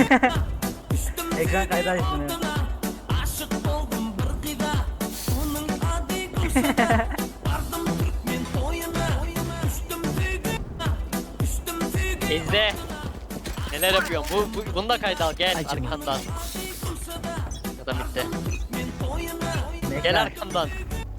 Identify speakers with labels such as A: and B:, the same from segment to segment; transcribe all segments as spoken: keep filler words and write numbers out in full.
A: Ekran kaydı açtım ya.
B: İzle. Neler yapıyorsun? Bu, bu bunu da kayda al. Gel
C: Acıma.
B: arkandan. Ya da bitti.
A: Bekle.
B: Gel arkamdan.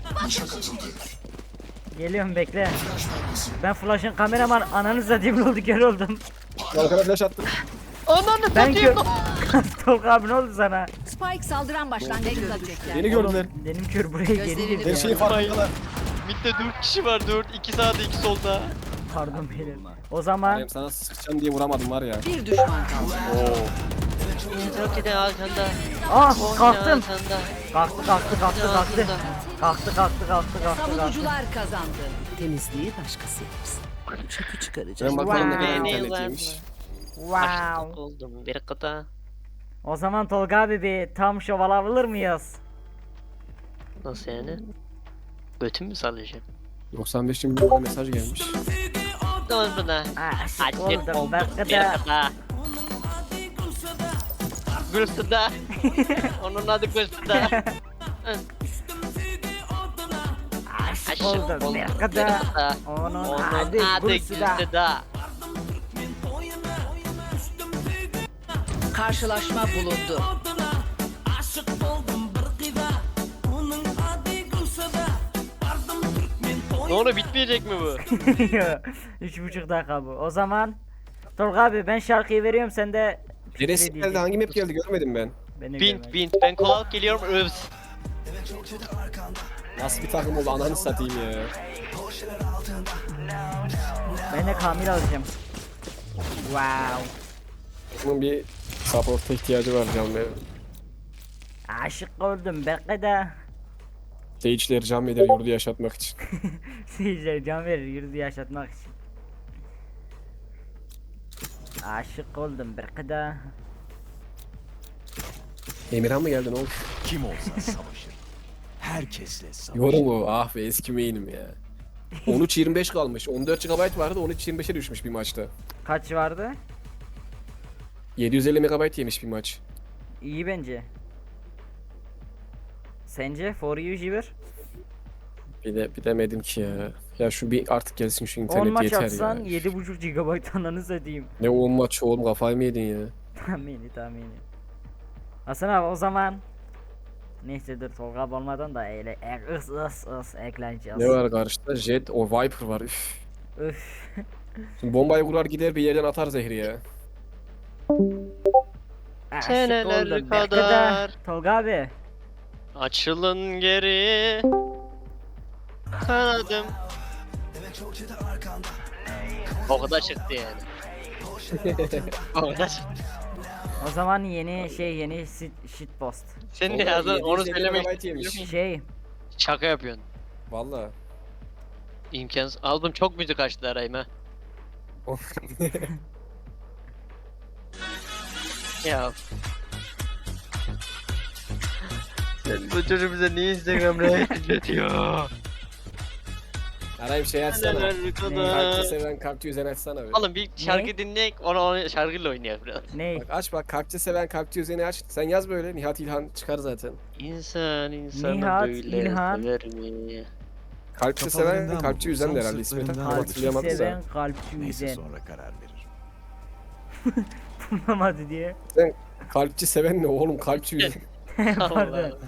A: Geliyorum bekle. Ben flash'ın kameraman ananı satayım, ne oldu, kör oldum.
D: Kalkana flash attım.
B: Ananı
A: Ben kör.
B: satayım.
A: Tolga abi ne oldu sana?
C: Spike saldıran başlangıcında düştü.
D: Beni gördüler.
A: Benim kör buraya geri
C: Gözlerini
A: girdi
D: Her
A: ya.
D: şeyi farkındalar.
B: Mid'de dört kişi var. dört. iki sağda iki solda.
A: Pardon beyler. O zaman
D: Benim sana sıkacağım diye vuramadım var ya.
C: Bir düşman kaldı.
D: Oo.
B: Çok iyi arkanda.
A: ah kalktım.
B: Arkanda.
A: Kalktı kalktı kalktı kalktı. Kalktı kalktı kalktı kalktı kalktı.
C: Savunucular kazandı. Temizliği başkası yapsın. Çöpü çıkaracağız.
D: Ben bakalım ne
A: Wow.
D: kadar
B: Beni
D: internetiymiş.
A: Wow.
B: Açlık oldum. Bir kıta.
A: O zaman Tolga abi bir tam şov alabilir miyiz?
B: Nasıl yani? Götümü mü sallayacağım?
D: doksan beş milyon mesaj gelmiş.
B: Dur buna.
A: Aşık
B: Açlık
A: oldum
B: oldum.
A: belki
B: Bir
A: de.
B: kıta. Gülsüda. Onun adı Gülsüda.
A: Aşık oldum belki de. Onun
B: Onun
A: adı
B: adı
A: Gülsüda.
B: Gülsüda.
C: Karşılaşma bulundu.
B: Ne onu bitmeyecek mi bu?
A: Üç buçuk dakika bu. O zaman Tolga abi ben şarkıyı veriyorum, sen de
D: Neresi
A: fikri
D: geldi?
A: diyeceksin.
D: Hangi map geldi görmedim ben.
A: Ben de
B: Bint
A: görmedim.
B: bint. Ben kovalık geliyorum. Övs.
D: Nasıl bir takım oldu ananı satayım ya.
A: Ben de Kamil alacağım. Wow.
D: Bunun bir support'a ihtiyacı var canım benim.
A: Aşık oldum belki de.
D: Seyircileri can eder yurdu yaşatmak için.
A: Seyirciler can verir yürüdü yaşatmak için. Aşık oldum belki de.
D: Emirhan mı geldi ne oldu?
E: Kim olsa savaşır. Herkesle savaşır.
D: Yorum o. Ah be eski main'im ya. on üç yirmi beş kalmış. on dört gigabayt vardı on üç yirmi beşe düşmüş bir maçta.
A: Kaç vardı?
D: yedi yüz elli megabayt yemiş bir maç.
A: İyi bence. Sence for you Jibber?
D: Bir de bilemedim ki ya. Ya şu bir artık gelsin şu
A: on
D: internet
A: maç
D: yeter
A: atsan
D: ya.
A: yedi buçuk gigabayt ananı satayım.
D: Ne on maç oğlum kafayı mı yedin ya?
A: Tahmini tahmini. Hasan abi o zaman neyse dur Tolga abi olmadan da eyle e, ıs ıs ıs ekleneceğiz.
D: Ne var karşıda? Jet, o Viper var. Üf.
A: Üf.
D: Şimdi bombayı kurar gider bir yerden atar zehri ya.
A: Aşık
B: Seneler
A: oldum belki de.
B: kadar.
A: Tolga abi.
B: Açılın geri. Kanadım. O kadar çıktı yani. O kadar çıktı.
A: O zaman yeni şey yeni shit, shit post.
B: Sen ne
D: Vallahi
B: yazdın onu
D: yedi yüz elli
B: söylemek
D: megabayt yemiş.
A: Şey
B: Şaka yapıyorsun.
D: Valla.
B: İmkansız. Albüm çok müzik açtı arayım ha. Ya. Sen bu çocuk bize niye Instagram reels izletiyor?
D: Arayıp şey açsana.
B: Neler
D: Kalpçi
B: kadar.
D: seven kalpçi üzen açsana bir.
B: Oğlum bir şarkı dinleyek, onu, onu şarkıyla oynayalım biraz.
A: ne?
D: Bak aç bak kalpçi seven kalpçi üzeni aç. Sen yaz böyle Nihat İlhan çıkar zaten.
B: İnsan insanı
A: Nihat,
B: böyle
A: İlhan.
B: sever mi?
D: Kalpçi seven
E: Kafalarından
D: kalpçi
E: mı
D: üzen de
E: bulsam
D: herhalde ismi. Tam
E: sırtlarından
A: Kalpçi
D: hatırlayamadım da.
A: seven kalpçi
E: Neyse
A: üzen.
E: sonra karar verir.
A: Bulamadı diye.
D: Kalpçi seven ne oğlum kalpçi üzen.
A: Pardon.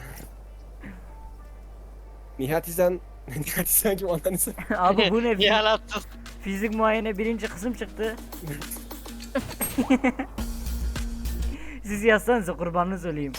D: Nihat İlhan Nihat İlhan kim ananı satayım.
A: Abi bu ne?
B: Yalattın.
A: Fizik muayene birinci kısım çıktı. Siz yazsanıza kurbanınız olayım.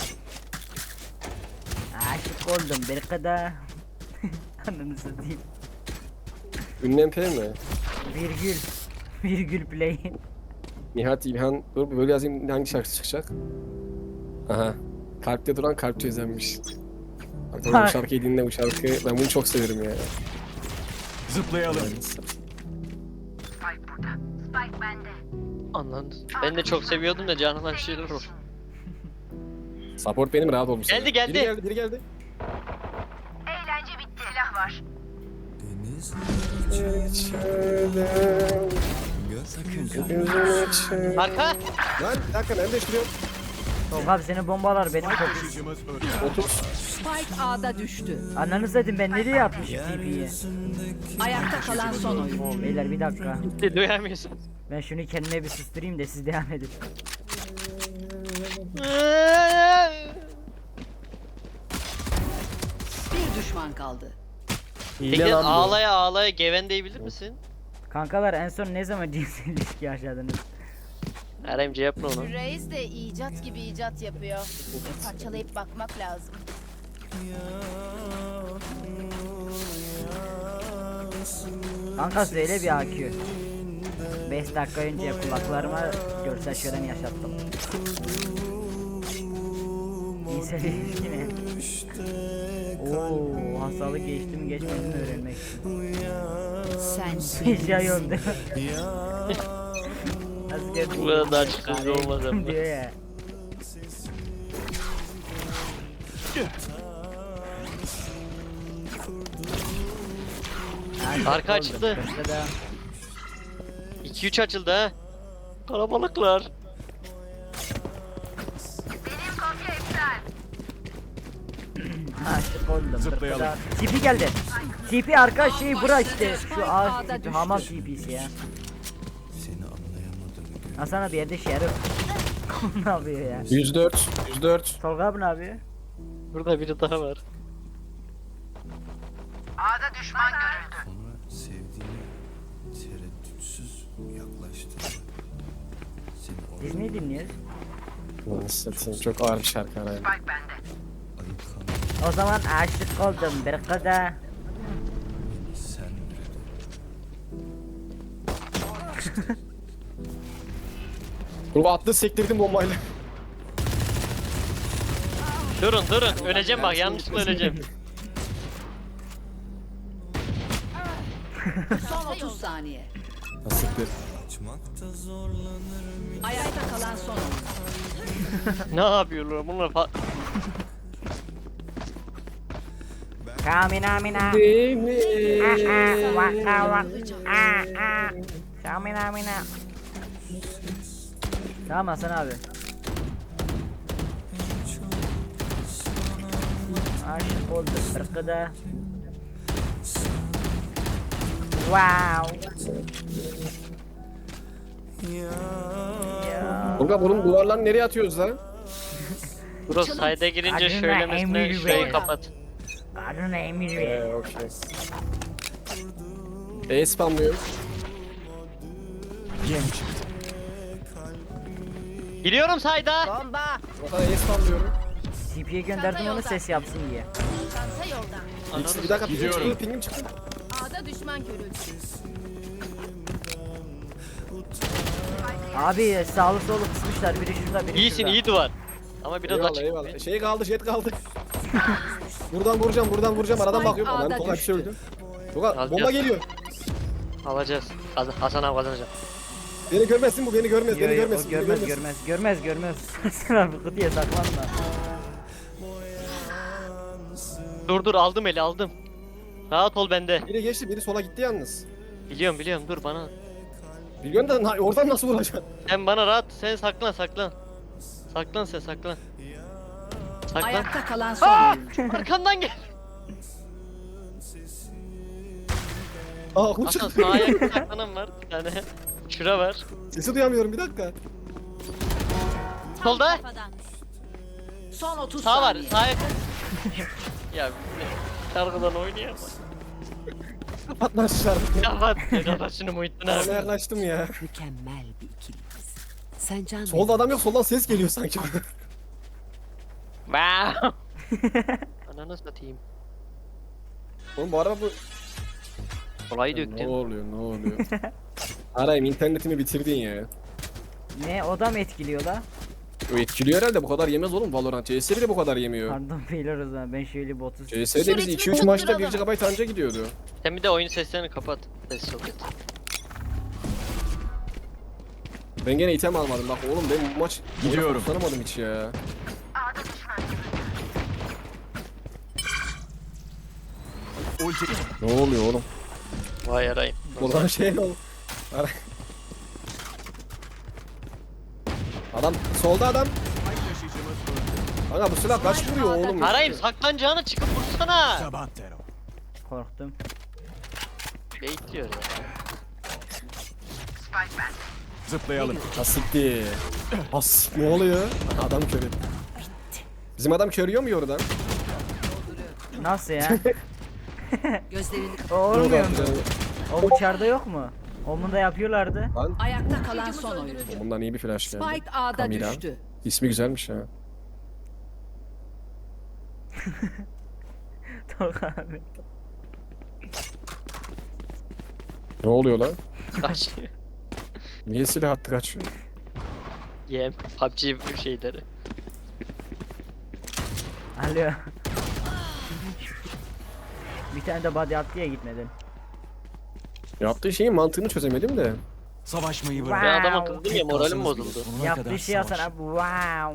A: Aşık oldum belki de. Ananı satayım.
D: Ünlem P mi?
A: Virgül. Virgül play.
D: Nihat İlhan dur böyle yazayım hangi şarkı çıkacak? Aha. Kalpte duran kalpçi üzenmiş. Bak oğlum bu şarkıyı dinle bu şarkı. Ben bunu çok severim ya.
E: Zıplayalım.
B: Anladın. Ben de çok seviyordum da canıma bir şeyler olur.
D: Support benim rahat olmuş.
B: Geldi, geldi.
D: Biri geldi biri geldi.
F: Eğlence bitti, silah var.
E: Deniz
D: Gözün için.
B: Arka.
D: Lan bir dakika ben değiştiriyorum.
A: Tolga abi senin bombalar benim çok.
E: Taşıyıcımız öldü.
D: otuz.
C: Spike A'da düştü.
A: Ananı dedim ben nereye atmışım T P'yi?
C: Ayakta kalan son oyun.
A: Beyler bir dakika.
B: Duyamıyorsun.
A: Ben şunu kendime bir susturayım da siz devam edin.
C: Bir düşman kaldı.
D: Hile
B: Peki
D: lan bu.
B: ağlaya ağlaya gevendeyi bilir misin?
A: Kankalar en son ne zaman cinsel ilişki yaşadınız?
B: R M C yapma onu.
F: Reis de icat gibi icat yapıyor. Bir parçalayıp bakmak lazım.
A: Kanka söyle bir A Q. beş dakika önce kulaklarıma görsel şölen yaşattım. Cinsel ilişki ne? Ooo hastalık geçti mi geçmedi mi öğrenmek için.
C: Sen
A: Hiç ya yok değil mi? Asker
B: Bu kadar daha çıkıcı olmaz ama.
A: diyor ya.
B: Arka açıldı.
A: Köşede.
B: iki üç açıldı ha. Kalabalıklar.
A: Ha işte koydum.
E: Zıplayalım.
A: T P geldi. T P arka şey bura işte. Şu
C: Spike
A: ağaç
C: A'da
A: T P
C: düştü.
A: hamam T P'si ya.
E: Seni anlayamadım.
A: Hasan abi yerde şerif. Ne yapıyor ya?
D: yüz dört. yüz dört.
A: Tolga abi ne yapıyor?
B: Burada biri daha var.
E: Sonra sevdiğine tereddütsüz yaklaştı. Seni
A: Biz ne dinliyoruz?
D: Lan satayım çok ağır bir şarkı araya.
E: ayıkan
A: O zaman aşık oldum bir kıza.
E: sen
D: Dur attı sektirdim bombayla.
B: Durun durun. Öleceğim bak yanlışlıkla öleceğim.
C: son otuz saniye.
D: Siktir.
C: Ayakta kalan son oyun.
B: Ne yapıyorlar bunlar fa-
A: Kamina mina. Ah ah vaka vak. Ah ah. Kamina mina. Tamam Hasan abi. Aşık oldum bir kıza. Wow. Ya.
D: Tolga bunun duvarlarını nereye atıyoruz lan?
B: Burası sayda girince
A: Adına
B: şöylemesine
A: Emir
B: şurayı
A: Bey.
B: kapat.
A: Adına Emir Bey.
D: Eee okey. E spamlıyorum.
E: yem çıktı.
B: Giriyorum sayda.
F: Bomba.
D: Vatan E spamlıyorum.
A: T P'ye gönderdim onu ses yapsın diye.
F: Çanta yolda.
D: İkisi bir dakika pingim
E: Gidiyorum.
D: çıktı pingim çıktı.
F: A'da düşman görüldü.
A: Abi sağlı solu kısmışlar biri şurada biri
B: İyisin
A: şurada.
B: iyi duvar. Ama biraz
D: Eyvallah
B: açık.
D: eyvallah. Şey kaldı jet kaldı. buradan vuracağım buradan vuracağım aradan
C: Spike
D: bakıyorum. Lan
C: A'da
D: Tolga bir şey
C: düştü.
D: öldü. Tolga
B: Alacağız.
D: bomba geliyor.
B: Alacağız. Kaz- Hasan abi kazanacak.
D: Beni görmezsin bu beni görmez
A: Yo,
D: beni
A: yo,
D: görmez.
A: o
D: beni
A: görmez görmez görmez görmez. Sen abi kutuya saklanma.
B: Dur dur aldım eli aldım. Rahat ol bende.
D: Biri geçti biri sola gitti yalnız.
B: Biliyorum biliyorum dur bana.
D: Biliyorsun da na- oradan nasıl vuracaksın?
B: Sen bana rahat sen saklan saklan. Saklan sen saklan. Saklan.
C: Ayakta kalan son
B: Aa!
C: oyun.
B: Arkandan gel.
D: Aa kul
B: Hasan
D: çıktı.
B: sağ ayakta saklanan var bir tane. Şura var.
D: Sesi duyamıyorum bir dakika.
B: Solda.
C: Son otuz
B: Sağ var.
C: saniye.
B: Sağ ayak. Ya şarkıdan oynayamam.
D: Kapat lan şu şarkıyı.
B: Kapat. Kapat şunu Muhittin
D: Bana
B: abi.
D: yaklaştım ya.
C: Mükemmel bir ikiliyiz. Sen can
D: Solda adam yok soldan ses geliyor sanki.
B: Wow. Ananı satayım.
D: Oğlum bu araba bu...
B: Kolayı
D: Ne
B: döktüm.
D: oluyor ne oluyor? Arayayım internetimi bitirdin ya.
A: Ne o da mı etkiliyor la?
D: O etkiliyor herhalde bu kadar yemez oğlum Valorant. C S bile bu kadar yemiyor.
A: Pardon beyler o zaman ben şöyle botu
D: C S'de biz iki üç maçta bir gigabayt anca gidiyordu.
B: Sen bir de oyun seslerini kapat. Ses soket.
D: Ben gene item almadım bak oğlum ben bu maç
E: Gidiyorum.
D: tanımadım hiç ya.
E: Ulti.
D: Ne oluyor oğlum?
B: Vay yarayım.
D: Ulan şey ol. Ara- Adam solda adam.
E: Ay taşıyıcımız öldü.
D: Kanka bu silah kaç vuruyor oğlum?
B: Arayayım saklanacağını çıkıp vursana.
E: Sabantero.
A: Korktum.
B: Bekliyor ya.
E: Zıplayalım.
D: Asikti. As ne oluyor? Aha, adam körü. Bizim adam körüyor mu oradan?
A: Nasıl ya?
C: Gözlerini
A: O
C: kapat.
A: olmuyor mu? O uçarda yok mu? Omunda yapıyorlardı.
D: Lan
C: Ayakta kalan son oyuncu.
D: bundan iyi bir flash geldi.
C: Spike A'da
D: Kamera.
C: düştü.
D: İsmi güzelmiş ha.
A: Tolga abi.
D: Ne oluyor lan?
B: Kaç.
D: Niye silah attı kaçıyor?
B: Yem. P U B G şeyleri.
A: Alo. Bir tane de body attı ya gitmedin.
D: Yaptığı şeyin mantığını çözemedim de.
E: Savaşmayı bırak.
B: Ben
A: Wow.
B: adama kızdım ya moralim bozuldu.
E: Sonuna
A: Yaptığı
E: kadar
A: şey Hasan
E: savaş.
A: abi wow.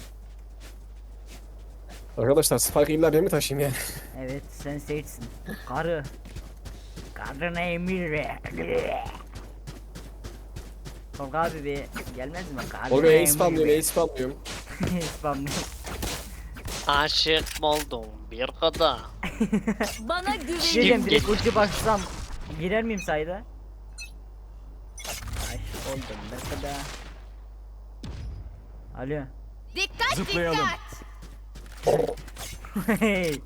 D: Arkadaşlar Spike illa ben mi taşıyayım yani?
A: Evet sen seçsin. Karı. Karına emir ver. Tolga abi bir gelmez mi? Karına
D: Oğlum ace
A: emir
D: spamlıyorum,
A: ver.
D: ace spamlıyorum.
A: Spamlıyorum.
B: Aşık oldum bir kadar.
F: Bana güvenin.
A: Diyeceğim direkt ulti baksam girer miyim sayda? Aşık oldum ne kadar. Alo.
F: Dikkat
E: Zıplayalım.
F: dikkat.
A: Hey.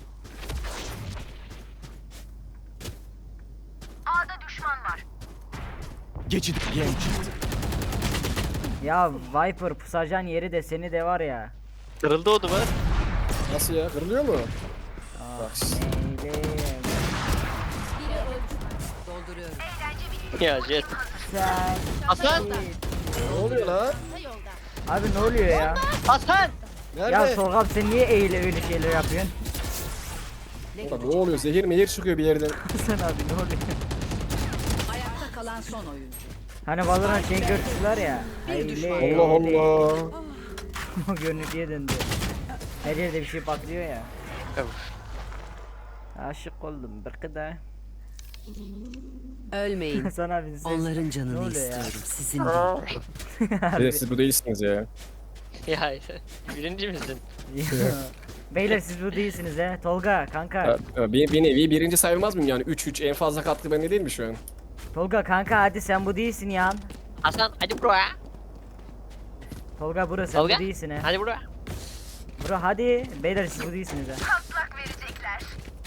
E: Geçit yem çıktı.
A: Ya Viper pusacan yeri de seni de var ya.
B: Kırıldı o duvar.
D: Nasıl ya? Kırılıyor mu?
A: Ah,
D: Bak şimdi.
A: neydi?
C: Dolduruyorum.
B: Ya jet.
A: Sen.
B: Hasan.
D: Ne oluyor lan?
F: Ta yolda.
A: Abi ne oluyor ya?
B: Hasan.
D: Nerede?
A: Ya Tolga abi sen niye eğile öyle şeyler yapıyorsun?
D: Ulan ne oluyor? Zehir mehir çıkıyor bir yerden.
A: Sen abi ne oluyor?
C: Ayakta kalan son oyuncu.
A: Hani Valorant şey görüntüler ya. Eğile
D: Allah
A: eğile.
D: Allah.
A: O görüntüye döndü. Her yerde bir şey patlıyor ya. Aşık oldum bir kadar.
C: Ölmeyin.
A: Sana bir ses.
C: Onların
A: Ne
C: canını
A: oluyor ya?
C: istiyorum. Sizin değil.
D: Evet, siz bu değilsiniz ya.
B: Ya birinci misin?
A: Beyler siz bu değilsiniz he. Tolga kanka.
D: Ha, ha, Bir, bir nevi birinci sayılmaz mıyım yani? üç üç en fazla katkı bende değil mi şu an?
A: Tolga kanka hadi sen bu değilsin ya.
B: Hasan hadi buraya.
A: Tolga bro sen
B: Tolga.
A: bu değilsin he.
B: Hadi buraya.
A: Bro hadi. Beyler siz bu değilsiniz he. Patlak verecekler.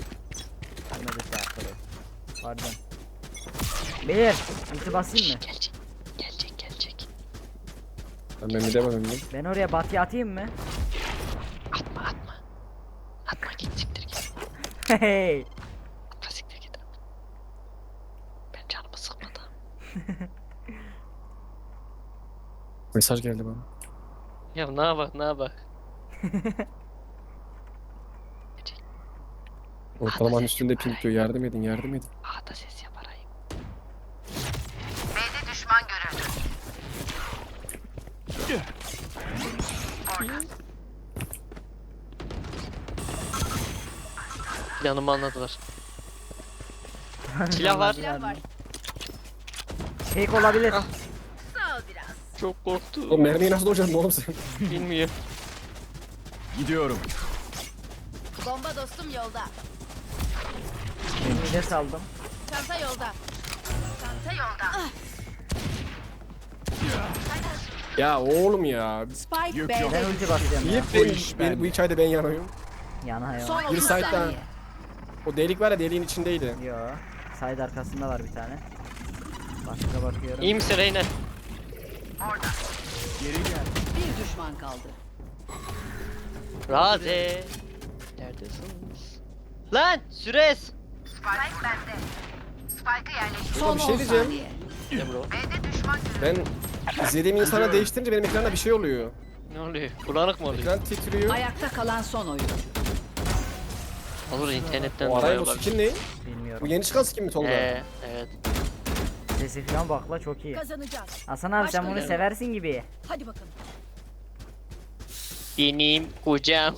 A: Pardon. Beyler ulti basayım mı?
B: Gelecek. Gelecek gelecek.
D: Ben ben bir demedim mi?
A: Ben oraya batı atayım mı?
B: Atma atma. Atma git siktir git.
A: Hey.
B: Atma siktir git. Ben canımı sıkmadı.
D: Mesaj geldi bana.
B: Ya ne yapak ne yapak.
D: Ortalamanın üstünde ping diyor. Yardım edin, yardım edin.
B: A'da ses yap arayayım. Planımı anladılar. Silah var.
F: Silah var.
A: Fake olabilir.
B: Ah.
F: Sağ ol biraz.
B: Çok
D: O
B: korktum.
D: mermiyi nasıl dojacaksın oğlum sen?
B: Bilmiyorum.
E: Gidiyorum.
F: Bomba dostum yolda.
A: Mide saldım.
F: Çanta yolda. Çanta yolda.
D: Ya oğlum ya.
C: Spike
E: Yok,
C: B'de
E: yok.
A: Ben ulti basacağım
D: Niye
A: ya.
D: ben,
E: iş
D: ben,
E: bende.
D: bu hikayede ben yanıyorum?
A: Yana ya.
C: son
D: Bir
C: otuz
D: site'da.
C: saniye.
D: O delik var ya deliğin içindeydi.
A: Yo. Side arkasında var bir tane. Başka bakıyorum.
B: İyi misin Reyna?
E: Geri gel.
C: Bir düşman kaldı.
B: Raze. Neredesiniz? Lan Süres.
C: Son
D: bir şey
C: on
D: diyeceğim.
C: saniye.
B: Ne bro?
D: Ben izlediğim insana değiştirince benim ekranda bir şey oluyor.
B: Ne oluyor? Bulanık mı oluyor?
D: Ekran titriyor.
C: Ayakta kalan son oyuncu.
B: Olur internetten
D: O
B: dolayı
D: arayın o
B: olabilir.
D: skin ne?
A: Bilmiyorum.
D: Bu yeni çıkan skin mi Tolga?
B: Ee, evet.
A: Sesi falan bakla çok iyi.
F: Kazanacağız.
A: Hasan abi sen bunu
B: Başka-
A: seversin gibi.
F: Hadi bakalım.
B: Benim kocam.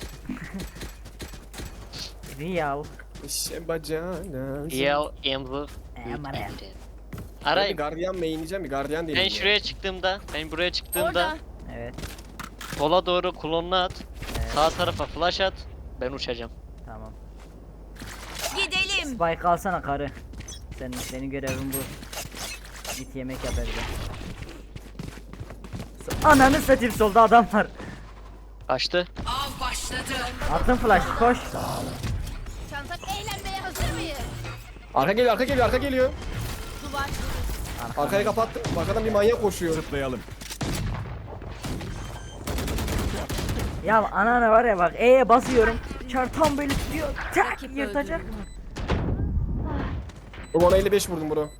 A: Real.
D: İşe bacana.
B: Real Ember.
A: Aman ya.
D: Ben bir
B: Arayayım.
D: gardiyan mainleyeceğim bir gardiyan
B: Ben
D: deneyim.
B: şuraya çıktığımda, ben buraya çıktığımda
F: Orada.
A: Evet.
B: Sola doğru klonunu at.
A: Evet.
B: Sağ tarafa flash at. Ben uçacağım.
A: Tamam.
F: Gidelim.
A: Spike alsana karı. Senin senin görevin bu. Git yemek yap evde. So- Ananı satayım, solda adam var.
B: Kaçtı.
C: Av başladı.
A: Attım flash, koş.
F: Çantak eğlenmeye hazır mıyız?
D: Arka geliyor, arka geliyor, arka geliyor.
F: Duvar.
D: Arkayı kapattım. Arkadan bir manyak koşuyor.
E: Zıplayalım.
A: Ya anana var ya bak, E'ye basıyorum. Çar tam böyle tutuyor. Tak
C: Rakip
A: yırtacak.
D: Bu bana elli beş vurdum bro.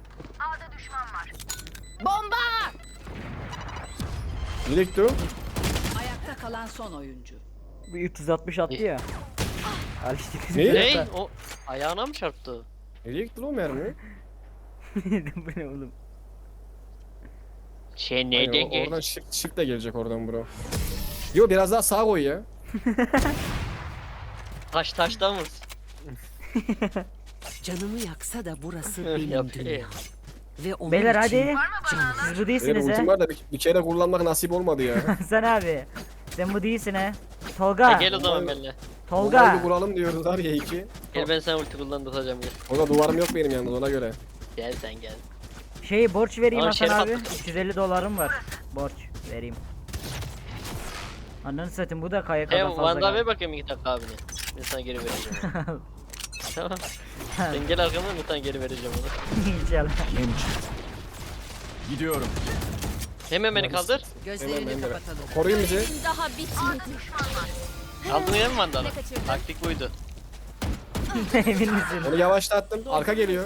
F: Bomba!
D: Direkt dur.
C: Ayakta kalan son oyuncu.
A: Bu üç yüz altmış attı ya. Al işte kız.
D: Ne?
B: Ne? O ayağına mı çarptı?
D: Nereye gitti lan o mermi?
A: Bu ne oğlum?
B: Şey
D: Hayır,
B: neydi
D: o-
B: ki?
D: oradan shift, shift de gelecek oradan bro. Yo biraz daha sağa koy ya.
B: Taş taştan mı?
C: Canımı yaksa da burası
B: Öyle
C: benim
B: yapıyor.
C: dünya. Ve onun
A: Beyler
C: için
A: hadi.
C: canım.
A: Siz bu
D: Benim
A: değilsiniz
D: ultim
A: he.
D: var da bir, bir kere kullanmak nasip olmadı ya.
A: Sen abi. Sen bu değilsin he.
B: Ha,
A: Tolga.
B: gel o zaman benimle.
D: Onları
A: Tolga.
D: bir vuralım diyorlar ya iki.
B: Gel ben sana ulti kullandıracağım gel.
D: Orada duvarım yok benim yalnız ona göre.
B: Gel sen gel.
A: Şey borç vereyim
B: Aa,
A: Hasan
B: Şerif
A: abi.
B: attı.
A: üç yüz elli dolarım var. Borç vereyim. Ananı satayım, bu da kayık
B: Hey
A: kadar fazla.
B: Van'da ver
A: geldi.
B: bakayım iki dakika abine. Ben sana geri vereceğim. Tamam. Sen gel arkamdan ben sana geri vereceğim onu.
A: İnşallah.
E: Genç. Gidiyorum.
B: Hemen beni kaldır.
C: Gözlerini
D: Hemen, hemen.
C: kapatalım.
D: Koruyun bizi.
F: Daha bitmedi.
B: Aldın ya mı Vandal'ı?
F: Ne kaçırdın?
B: Taktik buydu.
A: Emin misin?
D: Onu yavaşlattım. Arka geliyor.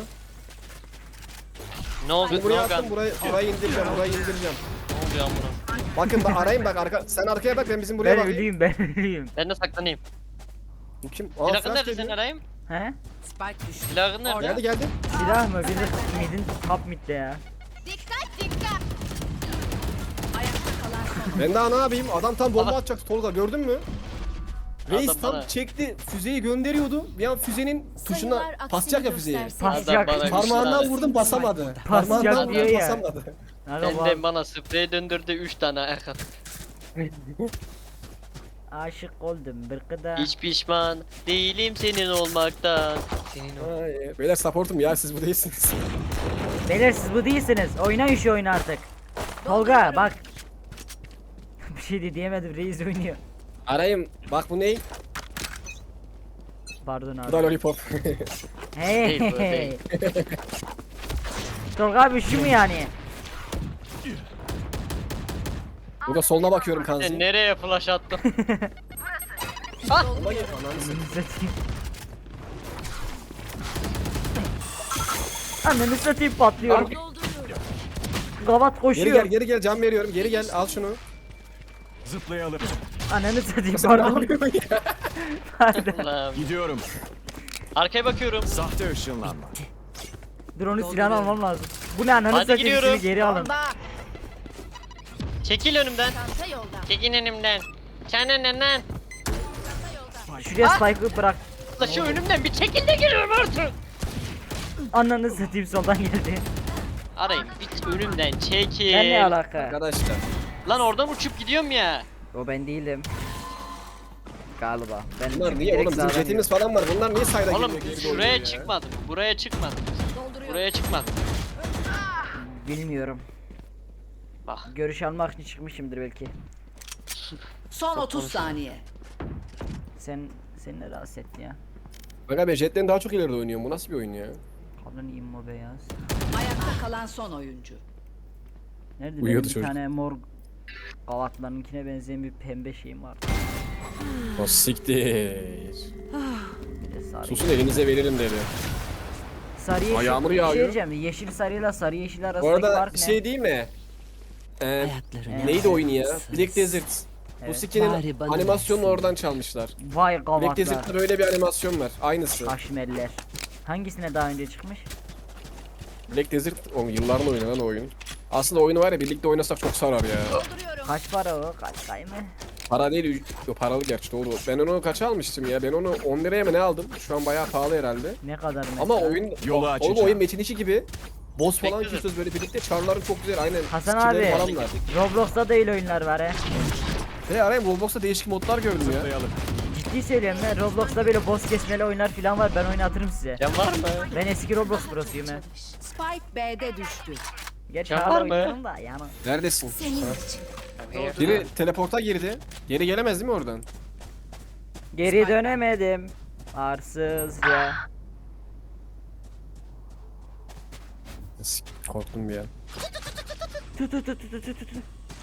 B: Ne oldu?
D: Bunu
B: Ne
D: buraya
B: oldu?
D: attım. Burayı, burayı indireceğim. Burayı indireceğim.
B: Ne oluyor amına?
D: Bakın bak arayın bak arka. Sen arkaya bak ben bizim buraya
A: Ben
D: bakayım.
A: ölüyüm, ben ölüyüm.
B: Ben de saklanayım.
D: Bu kim? Aa,
B: Silahın
D: flash
B: nerede
D: geliyor.
B: senin arayayım?
A: He?
C: Spike düştü.
B: Silahın nerede?
D: Geldi geldi.
A: Silah mı? Bir de midin top midde ya.
F: Dikkat dikkat.
C: Ayakta kalan son
D: Ben daha ne yapayım? Adam tam bomba
B: Aha.
D: atacaktı Tolga gördün mü? Reis
B: Adam
D: tam
B: bana-
D: çekti füzeyi gönderiyordu. Bir an füzenin tuşuna
F: Sayılar aksini
D: basacak ya füzeyi.
F: gösterse.
A: Basacak.
B: Adam bana
D: Parmağından
B: güçlü
D: vurdum basamadı.
A: Basacak
D: Parmağından
A: diyor
D: vurdum
A: ya.
D: basamadı.
A: Aga
B: Benden
A: bu
B: bana sprey döndürdü üç tane ayak attı.
A: aşık oldum bir kıda.
B: Hiç pişman değilim senin olmaktan. Senin ol.
D: Ay, beyler supportum ya siz bu değilsiniz.
A: Beyler siz bu değilsiniz. Oynayın şu oyunu artık. Tolga bak. Bir şey de diyemedim, reis oynuyor.
D: Arayayım. Bak bu ne?
A: Pardon
D: Bu da
A: abi.
D: lollipop.
A: Hey.
B: Değil bu, değil.
A: Tolga abi şu mu yani?
D: Bu da soluna bakıyorum
B: Sen
D: kanzi.
B: nereye flash attın?
D: Sola gel. Ananı satayım.
A: Satayım. Ananı satayım, patlıyorum. Gavat
D: Geri
A: koşuyor.
D: gel geri gel can veriyorum. Geri gel al şunu.
E: Zıplayalım.
A: Ananı satayım,
D: Sen ne
A: pardon.
D: yapıyorsun ya?
A: Pardon.
B: Allah'ım.
E: Gidiyorum.
B: Arkaya bakıyorum.
E: Sahte ışınlanma.
A: Dur onu silahını almam lazım. Bu ne ananı
B: Hadi
A: satayım,
B: gidiyorum.
A: sizi geri alın.
F: Bomba.
B: Çekil önümden.
F: Çanta yolda.
B: Çekil önümden. Çenenden.
A: Şuraya spike'ı bırak.
B: La şu önümden bir çekil de geliyorum artık.
A: Ananı satayım, soldan geldi.
B: Arayın bir önümden çekil.
A: Ben ne alaka?
D: Arkadaşlar.
B: Lan oradan uçup gidiyorum ya.
A: O ben değilim. Galiba. Ben
D: Bunlar niye
A: direkt
D: oğlum bizim
A: sağdan
D: jetimiz falan var. Bunlar niye sayda
B: Oğlum
D: geliyor? geri
B: şuraya
D: dönüyor ya?
B: çıkmadım. Buraya çıkmadım. Buraya çıkmadım.
A: gidiyorum. Bilmiyorum.
B: Bak.
A: Görüş almak için çıkmışımdır belki.
C: Son otuz saniye.
A: Sen seni ne rahatsız etti ya?
D: Bak abi jetten daha çok ileride oynuyorum. Bu nasıl bir oyun ya?
A: Kadın immo beyaz.
C: Ayakta kalan son oyuncu.
A: Nerede
D: Uyuyordu
A: benim bir
D: çocuk.
A: tane mor gavatlarınkine benzeyen bir pembe şeyim var.
D: O siktir.
A: Bir de sarı.
D: Susun elinize veririm dedi.
A: Sarı yeşil.
D: Aa, yağmur
A: bir şey
D: yağıyor.
A: diyeceğim. Yeşil sarıyla sarı yeşil
D: Bu
A: arasındaki
D: arada
A: fark
D: bir
A: ne?
D: şey değil mi? Ee,
C: Ayaklarını
D: neydi oyunu ya?
C: yaparsınız.
D: Black Desert. Bu
A: Evet.
D: skinin
C: Bari bana
D: animasyonunu
C: versin.
D: oradan çalmışlar.
A: Vay
D: Black
A: gavatlar.
D: Desert'ta böyle bir animasyon var. Aynısı.
A: Kaşmerler. Hangisine daha önce çıkmış?
D: Black Desert o yılların oyunu lan o oyun. Aslında oyunu var ya birlikte oynasak çok sarar ya.
F: Dolduruyorum.
A: Kaç para o? Kaç kay mı?
D: Para değil, o paralı gerçi doğru. Ben onu kaça almıştım ya? Ben onu on liraya mı ne aldım? Şu an bayağı pahalı herhalde.
A: Ne kadar mesela?
D: Ama oyun
E: Yolu
D: oğlum
E: açacağım.
D: oyun Metin iki gibi Boss falan
B: Bekledim.
D: kesiyoruz böyle birlikte. Çarların çok güzel aynen.
A: Hasan
D: Skill'leri
A: abi.
D: falan var.
A: Roblox'ta da öyle oyunlar var he.
D: Ve arayayım Roblox'ta değişik modlar gördüm ya.
E: Zıplayalım.
A: Ciddi söylüyorum ben. Roblox'ta böyle boss kesmeli oyunlar falan var. Ben oynatırım size.
B: Can var mı?
A: Ben eski Roblox prosuyum he.
C: Spike B'de düştü.
A: Geç
B: Ya
A: hala
B: var mı?
A: oynuyorum da yani.
D: Neredesin? Ha.
B: Here.
D: Biri teleporta girdi. Geri gelemez değil mi oradan?
A: Geri dönemedim. Arsızca.
D: S- Korktum bir an.
A: Tut tut tut tut tut tut.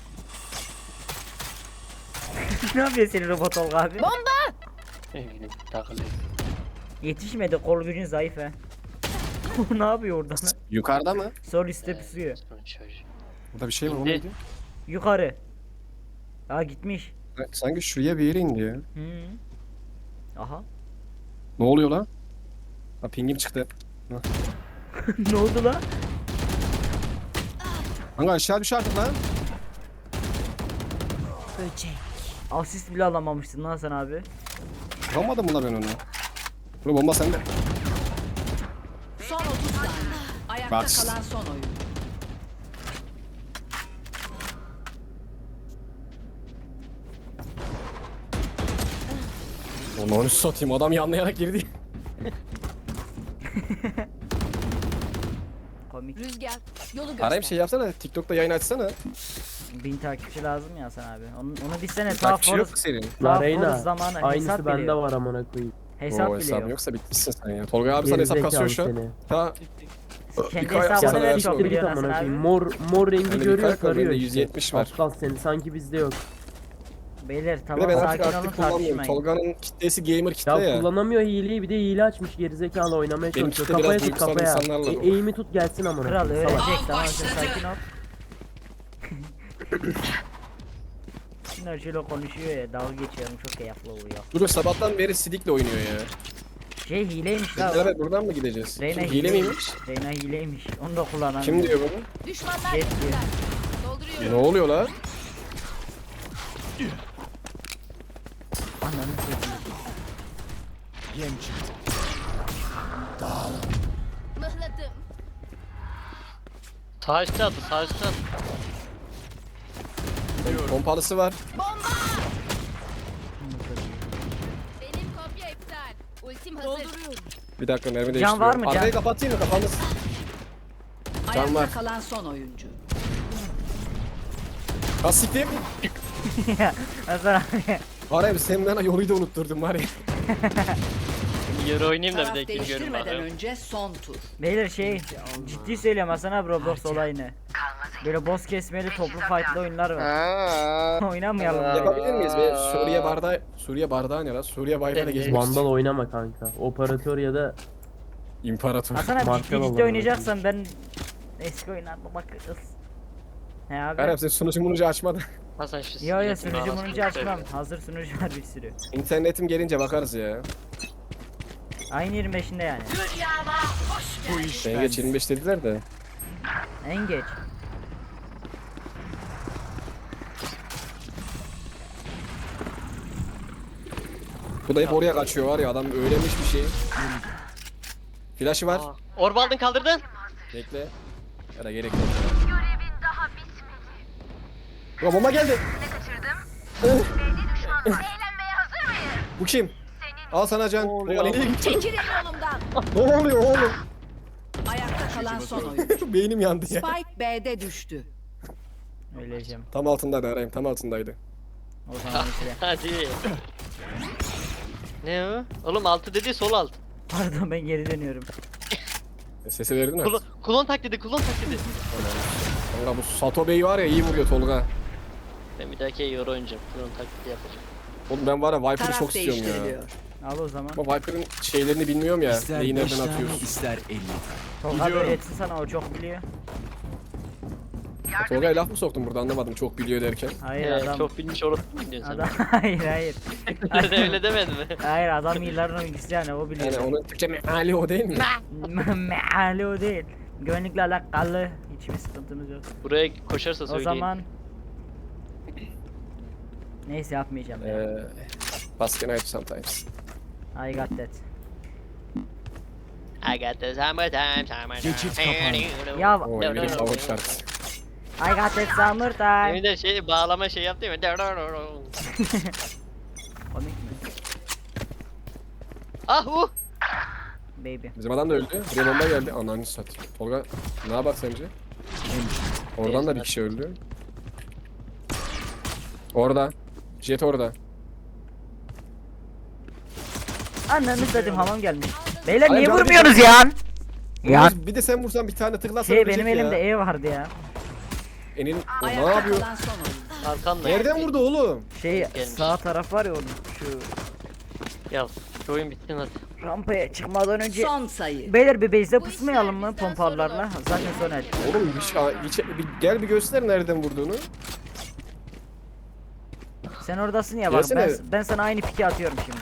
A: Ne yapıyor senin robot Olga abi?
B: Takılıyor.
A: Yetişmedi, kol gücün zayıf he. Ne yapıyor orada lan?
D: Yukarıda mı?
A: Sol üstte pusuyor.
D: Burada bir şey var o
B: İndi.
D: neydi?
A: Yukarı. Aa gitmiş.
D: Sanki şuraya bir yere indi ya.
A: Hı. Aha.
D: Ne oluyor lan? Ha pingim çıktı.
A: Ne oldu lan?
D: Kanka aşağı düş artık lan.
C: Böcek.
A: Asist bile alamamıştın lan sen abi.
D: Vuramadım mı lan ben onu? Bu bomba sende.
C: Son otuz saniye. Ayakta
D: Bak.
C: kalan son oyun.
D: Onu onu satayım adam yanlayarak girdi.
A: Komik.
F: Rüzgar yolu göster.
D: Arayayım şey yapsana. TikTok'ta yayın açsana.
A: Bin takipçi lazım ya sen abi. Onu, onu bilsene sağ
D: Takipçi yok
A: foruz.
D: ki senin.
A: Sağ
G: La
A: foruz
G: Reyna,
A: zamanı hesap
G: aynısı bende
A: biliyor.
G: var amına koyayım.
A: Hesap
D: Oo hesabın
A: biliyor.
D: yoksa bitmişsin sen ya. Tolga abi sana hesap kasıyor şu an.
G: Gerizekalı
D: Ha.
A: Kendi
D: Birkaç
A: hesabını
D: sana
A: ver
D: ver
A: çok
D: sonra.
G: Siktir git
A: biliyorsun
G: amına
A: Hasan abi.
G: koyayım. Mor mor rengi
D: Bende bir
G: görüyor
D: kalp var,
G: sarıyor
D: bende
G: işte.
D: yüz yetmiş var.
G: Aptal seni sanki bizde yok.
A: Beyler
D: Bir de
A: tamam
D: ben artık
A: sakin olun
D: aktif kullanmıyorum.
A: tartışmayın.
D: Tolga'nın kitlesi gamer kitle
G: Ya,
D: ya.
G: kullanamıyor hileyi, bir de hile açmış gerizekalı oynamaya
D: Benim
G: çalışıyor.
D: kitle
G: Kafaya
D: biraz
G: tut
D: duygusal
G: kafaya.
D: insanlarla
G: E,
D: dolu.
G: eğimi tut gelsin amına
A: Kral
G: koyayım. Salak.
A: öğrenecek tamam sen sakin ol. Şunlar şöyle konuşuyor ya dalga geçiyorum çok keyifli oluyor.
D: Dur sabahtan beri Sidik'le oynuyor ya.
A: Şey hileymiş la.
D: Biz beraber buradan mı gideceğiz?
A: Reyna
D: Kim, hile miymiş?
A: Reyna hileymiş. Onu da kullanan.
D: Kim diyor bunu?
F: Düşmanlar
A: Jet
F: yakınlar.
A: diyor.
F: Dolduruyorum.
D: Ne oluyor lan?
A: Ananı satayım.
E: Yem çıktı.
F: Mıhladım.
B: Sağ üstte attı, sağ üstte attı.
D: Pompalısı var.
F: Bomba! Benim kopya iptal. Ultim hazır. Dolduruyorum.
D: Bir dakika mermi
A: Can
D: değiştiriyorum.
A: var mı, can?
D: Arkayı kapatayım mı kafanız? Can
C: Ayakta
D: var.
C: kalan son oyuncu.
D: Ha siktim.
A: Hasan abi.
D: Arayayım sen bana yoluyu da unutturdun var ya.
B: Yarı oynayayım da bir
C: Taraf
B: de ikinci görün
C: değiştirmeden
B: bakalım.
C: önce son tur.
A: Beyler şey ciddi söylüyorum Hasan abi Roblox olayını. Böyle boss kesmeli toplu fight'lı oyunlar var. Oynamayalım.
D: Yapabilir miyiz? Be? Suriye bardağı, Suriye bardağı ne lan? Suriye bayrağıyla gezmek
G: Vandal
D: istiyorum.
G: oynama kanka. Operatör ya da
D: İmparator.
A: Hasan abi
G: Marka
A: ciddi ciddi
G: vallahi.
A: oynayacaksan ben eski oyunlarda bakırız. He abi.
D: Arayayım sen sunucu munucu açmadın.
B: Hasan şu
A: Yo yo
B: sinirin
A: sunucu
B: anasını
A: munucu açmam.
B: seveyim.
A: Hazır sunucu var bir sürü.
D: İnternetim gelince bakarız ya.
A: Aynı yirmi beşinde yani.
E: Bu iş
D: Ben geç yirmi beş dediler de.
A: En geç.
D: Bu da hep oraya kaçıyor var ya adam öğrenmiş bir şey. Flash'ı var.
B: Aa, Orba aldın kaldırdın.
D: Bekle. Ya da gerek yok. Görevin daha bitmedi. Ya bomba geldi. Bu kim? Al sana can. Bomba nereye gitti?
C: Çekilin yolumdan.
D: Ne oluyor oğlum?
C: Ayakta kalan son oyuncu.
D: Beynim yandı ya.
C: Spike B'de düştü.
A: Öleceğim.
D: Tam altındaydı arayayım tam altındaydı.
A: O zaman işte.
B: Hadi. Ne o? Oğlum altı dedi sol alt.
A: Pardon ben geri dönüyorum.
D: E, sesi verdin mi?
B: Kulon, kulon tak dedi, kulon tak dedi.
D: Kanka bu Sato Bey var ya iyi vuruyor Tolga.
B: Ben bir dahaki euro oynayacağım. Kulon taklidi yapacağım.
D: Oğlum ben var ya Viper'ı
C: Taraf
D: çok istiyorum ya.
C: değiştiriliyor.
A: Al o zaman.
D: Ama Viper'ın şeylerini bilmiyorum ya.
E: İster
D: Neyi
E: beş
D: nereden
E: tane,
D: atıyoruz.
E: ister elli tane.
A: Tolga
E: Gidiyorum.
A: öğretsin sana o çok biliyor.
D: Tolga'ya laf mı soktun burada anlamadım çok biliyor derken.
A: Hayır
B: Ee,
A: adam.
B: Çok bilmiş orospu mu diyorsun
A: Adam hayır hayır.
B: sen? öyle demedi mi?
A: Hayır adam yılların oyuncusu yani o biliyor.
D: Yani onun Türkçe meali o değil mi?
A: Meali o değil. Güvenlikle alakalı hiçbir sıkıntımız yok.
B: Buraya koşarsa
A: O
B: söyleyin.
A: zaman neyse yapmayacağım ya.
D: Eee... Basket night sometimes.
A: I got that.
B: I got the summertime, summertime.
E: Geçit kapandı.
A: Ya
D: O Emir'in favori şarkısı.
A: I got that summertime.
B: Emin de şey bağlama şey yaptı mı?
A: Komik mi?
B: Ah uh!
A: Baby.
D: Bizim adam da öldü. Buraya bomba geldi. Ananı satayım. Tolga ne yapak sence? Oradan da bir kişi öldü. Orada. Jet orada.
A: Ananı satayım hamam gelmiş. Beyler
D: Hayır,
A: niye
D: ben de-
A: vurmuyorsunuz ya? Ya
D: Bir de sen vursan bir tane tıklarsan
A: şey
D: ölecek
A: benim
D: ya.
A: elimde E vardı ya.
D: Enin o ne
C: Ayakta
D: yapıyor?
C: kalan son oyuncu.
B: Arkanda.
D: Nereden vurdu oğlum?
A: Şey
B: Gelmiş.
A: sağ taraf var ya onun şu
B: Ya şu oyun bitsin hadi.
A: rampaya çıkmadan önce.
C: Son sayı.
A: Beyler bir base'de
F: Bu
A: pusmayalım
F: işler
A: mı
F: bizden
A: pompalarla? Zaten son el.
D: Oğlum hiç, hiç, bir, gel bir göster nereden vurduğunu.
A: Sen oradasın ya bak ben,
D: Gelsene.
A: ben sana aynı piki atıyorum şimdi.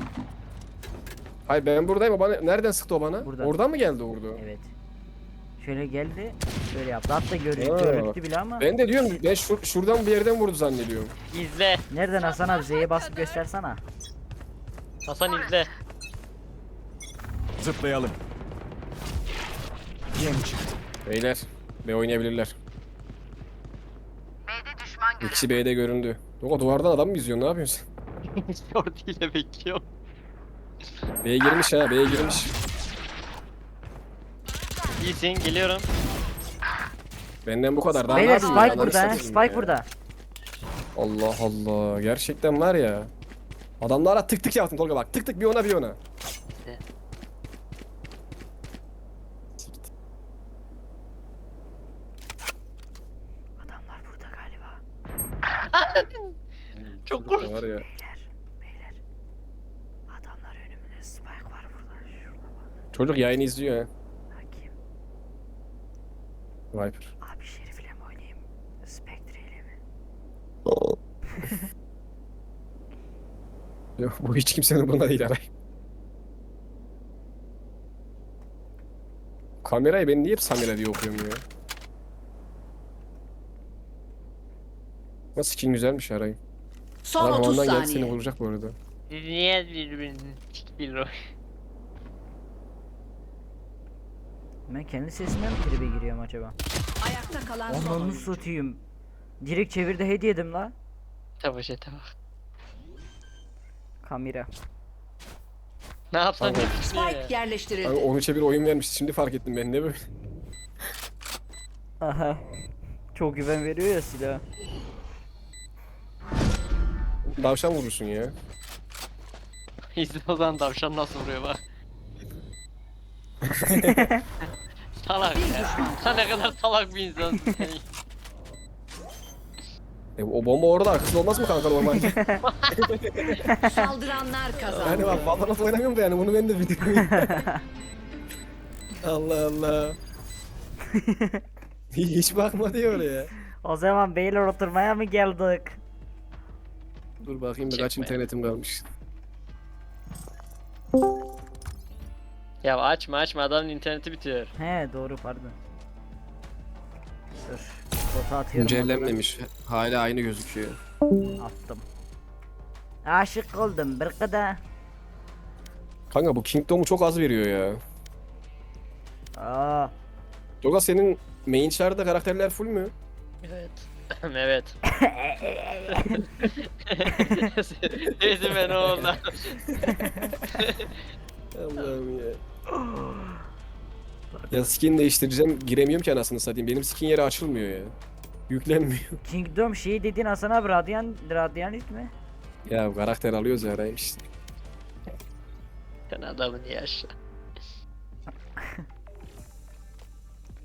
D: Hayır ben buradayım o bana nereden sıktı o bana?
A: Burada.
D: Oradan mı geldi vurdu?
A: Evet. Şöyle geldi, böyle yaptı. Hatta gör,
D: Aa.
A: görüntü bile ama.
D: Ben de diyorum ben şur, şuradan bir yerden vurdu zannediyorum.
B: İzle.
A: Nereden Hasan abi Z'ye basıp göstersene.
B: Hasan izle.
E: Zıplayalım. Yem çıktı.
D: Beyler B oynayabilirler. İkisi B'de göründü. O duvardan adam mı izliyorsun ne yapıyorsun sen?
B: Short ile bekliyorum.
D: B'ye girmiş ha B'ye girmiş.
B: İyisin geliyorum.
D: Benden bu kadar. Daha ne
A: Beyler
D: yapayım ya?
A: Spike
D: Ananı
A: burada he,
D: satayım
A: Spike
D: ya.
A: burada.
D: Allah Allah gerçekten var ya. Adamlara tık tık yaptım Tolga bak tık tık bir ona bir ona.
A: Adamlar burada galiba.
B: Çok
D: Çocuk da
B: korktum.
D: var ya.
A: Beyler, beyler. Adamlar önümüzde Spike var burada. Şurada bak.
D: Çocuk yayını izliyor ha.
A: Bakayım.
D: Viper.
A: Abi Şerif'le mi oynayayım? Spectre ile mi?
D: Yok, bu hiç kimsenin buna değil aray. Kamerayı ben niye hep Samira diye okuyorum ya? Ama skin güzelmiş aray.
C: Son
D: Adam
C: otuz
D: havandan geldi seni
C: saniye.
D: vuracak bu arada.
B: Siz niye birbirinizi çıkıyor?
A: Ben kendi sesime mi tribe giriyorum acaba?
C: Ayakta kalan son
A: Ondan
C: oyuncu.
A: satayım. Direkt çevirde hediye yedim la.
B: Tabii şey tabii.
A: Kamera.
B: Ne yapsan
D: Tamam.
B: ne düşünüyor ya?
C: Spike yerleştirildi.
D: Abi on üçe bir oyun vermişti şimdi fark ettim ben ne böyle.
A: Aha. Çok güven veriyor ya silah.
D: Davşan vurursun ya.
B: İzle o zaman tavşan nasıl vuruyor bak. Salak ya. Sen ne kadar salak bir insansın sen.
D: E, o bomba orada arkasında olmaz mı kanka normalde?
C: Saldıranlar kazandı.
D: Yani bak Valorant oynamıyorum da yani bunu ben de biliyorum. Allah Allah. Hiç bakma diyor oraya.
A: O zaman beyler oturmaya mı geldik?
D: Dur bakayım da kaç
B: Çekme.
D: internetim kalmış.
B: Ya açma açma adamın interneti bitiyor.
A: He doğru pardon. Dur. Bota atıyorum.
D: Güncellenmemiş. Hala aynı gözüküyor.
A: Attım. Aşık oldum bir kadar.
D: Kanka bu Kingdom'u çok az veriyor ya.
A: Aa.
D: Doga senin main char'da karakterler full mü?
B: Evet. Evet. Neyse ben oğlan.
D: Allah'ım ya. Ya skin değiştireceğim giremiyorum ki anasını satayım. Benim skin yeri açılmıyor ya. Yüklenmiyor.
A: Kingdom şey dediğin Hasan abi Radiant, Radiant mi?
D: Ya karakter alıyoruz ya arayayım işte.
B: Sen adamın yaşı.